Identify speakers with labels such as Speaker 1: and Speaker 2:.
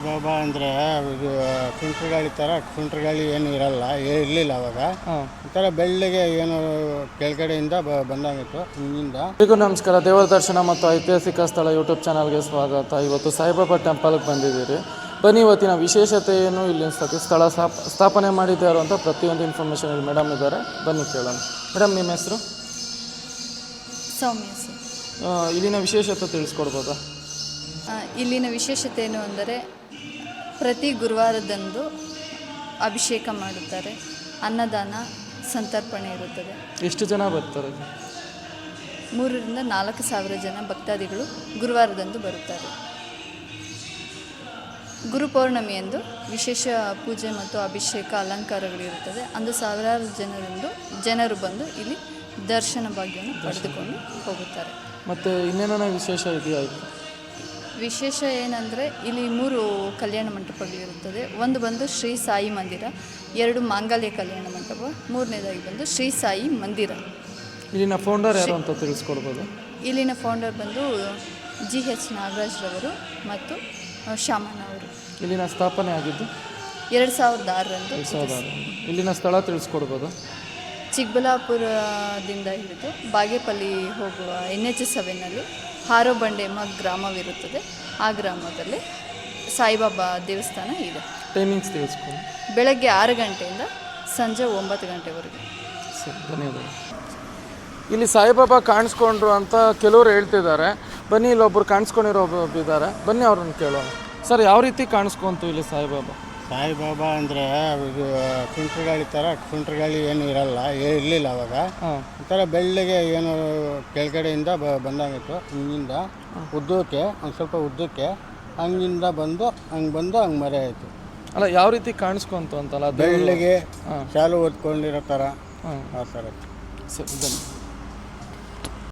Speaker 1: ಬಾಬಾ ಅಂದರೆ ಇದು ಸುಂಟ್ರ ಗಾಳಿ ಥರ ಸುಂಟ್ರ ಗಾಳಿ ಏನು ಇರಲಿಲ್ಲ ಅವಾಗ. ಒಂಥರ ಬೆಳ್ಳಗೆ ಏನು ಕೆಳಗಡೆಯಿಂದ ಬಂದಾಗಿತ್ತು ಹಿಂದಿಂದ.
Speaker 2: ಎಲ್ರಿಗೂ ನಮಸ್ಕಾರ. ದೇವರ ದರ್ಶನ ಮತ್ತು ಐತಿಹಾಸಿಕ ಸ್ಥಳ ಯೂಟ್ಯೂಬ್ ಚಾನಲ್ಗೆ ಸ್ವಾಗತ. ಇವತ್ತು ಸಾಯಿಬಾಬಾ ಟೆಂಪಲ್ಗೆ ಬಂದಿದ್ದೀರಿ. ಬನ್ನಿ, ಇವತ್ತಿನ ವಿಶೇಷತೆ ಏನು, ಇಲ್ಲಿ ಸ್ಥಳ ಸ್ಥಾಪನೆ ಮಾಡಿದ್ದಾರೆ ಅಂತ ಪ್ರತಿಯೊಂದು ಇನ್ಫಾರ್ಮೇಷನ್ ಇಲ್ಲಿ ಮೇಡಮ್ ಇದ್ದಾರೆ. ಬನ್ನಿ ಕೇಳೋಣ. ಮೇಡಮ್, ನಿಮ್ಮ ಹೆಸರು?
Speaker 3: ಸೌಮ್ಯ ಸರ್.
Speaker 2: ಇಲ್ಲಿನ ವಿಶೇಷತೆ ತಿಳಿಸ್ಕೊಡ್ಬೋದಾ?
Speaker 3: ಇಲ್ಲಿನ ವಿಶೇಷತೆ ಏನು ಅಂದರೆ ಪ್ರತಿ ಗುರುವಾರದಂದು ಅಭಿಷೇಕ ಮಾಡುತ್ತಾರೆ, ಅನ್ನದಾನ ಸಂತರ್ಪಣೆ ಇರುತ್ತದೆ.
Speaker 2: ಎಷ್ಟು ಜನ ಬರ್ತಾರೆ?
Speaker 3: 3,000 ರಿಂದ 4,000 ಜನ ಭಕ್ತಾದಿಗಳು ಗುರುವಾರದಂದು ಬರುತ್ತಾರೆ. ಗುರುಪೌರ್ಣಮಿಯಂದು ವಿಶೇಷ ಪೂಜೆ ಮತ್ತು ಅಭಿಷೇಕ ಅಲಂಕಾರಗಳಿರುತ್ತದೆ. ಅಂದು ಸಾವಿರಾರು ಜನರು ಬಂದು ಇಲ್ಲಿ ದರ್ಶನ ಭಾಗ್ಯವನ್ನು ಪಡೆದುಕೊಂಡು ಹೋಗುತ್ತಾರೆ.
Speaker 2: ಮತ್ತು ಇನ್ನೇನೋ ವಿಶೇಷ ಇದೆಯಾ?
Speaker 3: ವಿಶೇಷ ಏನಂದರೆ ಇಲ್ಲಿ 3 ಕಲ್ಯಾಣ ಮಂಟಪಗಳಿರುತ್ತದೆ. ಒಂದು ಬಂದು ಶ್ರೀ ಸಾಯಿ ಮಂದಿರ, 2 ಮಾಂಗಲ್ಯ ಕಲ್ಯಾಣ ಮಂಟಪ, 3ನೇದಾಗಿ ಬಂದು ಶ್ರೀ ಸಾಯಿ ಮಂದಿರ.
Speaker 2: ಇಲ್ಲಿನ ಫೌಂಡರ್ ಯಾರು ಅಂತ ತಿಳಿಸ್ಕೊಡ್ಬೋದು?
Speaker 3: ಇಲ್ಲಿನ ಫೌಂಡರ್ ಬಂದು GH ನಾಗರಾಜ್ ರವರು ಮತ್ತು ಶಾಮಣ್ಣ ಅವರು.
Speaker 2: ಇಲ್ಲಿನ ಸ್ಥಾಪನೆ ಆಗಿದ್ದು
Speaker 3: 2006ರಂದು.
Speaker 2: ಇಲ್ಲಿನ ಸ್ಥಳ ತಿಳಿಸ್ಕೊಡ್ಬೋದು?
Speaker 3: ಚಿಕ್ಕಬಳ್ಳಾಪುರದಿಂದ ಹಿಡಿದು ಬಾಗೇಪಲ್ಲಿ ಹೋಗುವ NH7ನಲ್ಲಿ ಹಾರೋಬಂಡೆಮ್ಮ ಗ್ರಾಮವಿರುತ್ತದೆ. ಆ ಗ್ರಾಮದಲ್ಲಿ ಸಾಯಿಬಾಬಾ ದೇವಸ್ಥಾನ ಇದೆ.
Speaker 2: ಟೈಮಿಂಗ್ಸ್ ತಿಳಿಸ್ಕೊಂಡು.
Speaker 3: ಬೆಳಗ್ಗೆ 6 ಗಂಟೆಯಿಂದ ಸಂಜೆ 9 ಗಂಟೆವರೆಗೆ.
Speaker 2: ಸರಿ, ಧನ್ಯವಾದ. ಇಲ್ಲಿ ಸಾಯಿಬಾಬಾ ಕಾಣಿಸ್ಕೊಂಡ್ರು ಅಂತ ಕೆಲವರು ಹೇಳ್ತಿದ್ದಾರೆ. ಬನ್ನಿ, ಇಲ್ಲೊಬ್ಬರು ಕಾಣಿಸ್ಕೊಂಡಿರೋ ಇದ್ದಾರೆ. ಬನ್ನಿ, ಅವ್ರನ್ನ ಕೇಳೋಣ. ಸರ್, ಯಾವ ರೀತಿ ಕಾಣಿಸ್ಕೊಂತು ಇಲ್ಲಿ ಸಾಯಿಬಾಬಾ?
Speaker 1: ಸಾಯಿಬಾಬಾ ಅಂದರೆ ಇದು ಸುಂಟ್ರ ಗಾಳಿ ಥರ ಸುಂಟ್ರ ಗಾಳಿ ಏನು ಇರಲಿಲ್ಲ ಅವಾಗ. ಒಂಥರ ಬೆಳ್ಳಗೆ ಏನು ಕೆಳಗಡೆಯಿಂದ ಬಂದಾಗಿತ್ತು ಹಿಂದಿಂದ ಉದ್ದಕ್ಕೆ, ಒಂದು ಸ್ವಲ್ಪ ಉದ್ದಕ್ಕೆ ಹಂಗಿಂದ ಹಂಗೆ ಮರೆ ಆಯಿತು.
Speaker 2: ಅಲ್ಲ, ಯಾವ ರೀತಿ ಕಾಣಿಸ್ಕೊಂತು ಅಂತಲ್ಲ?
Speaker 1: ಬೆಳ್ಳಗೆ ಶಾಲು ಓದ್ಕೊಂಡಿರೋ ಥರ ಆ ಥರ.
Speaker 2: ಸರಿ, ಬನ್ನಿ.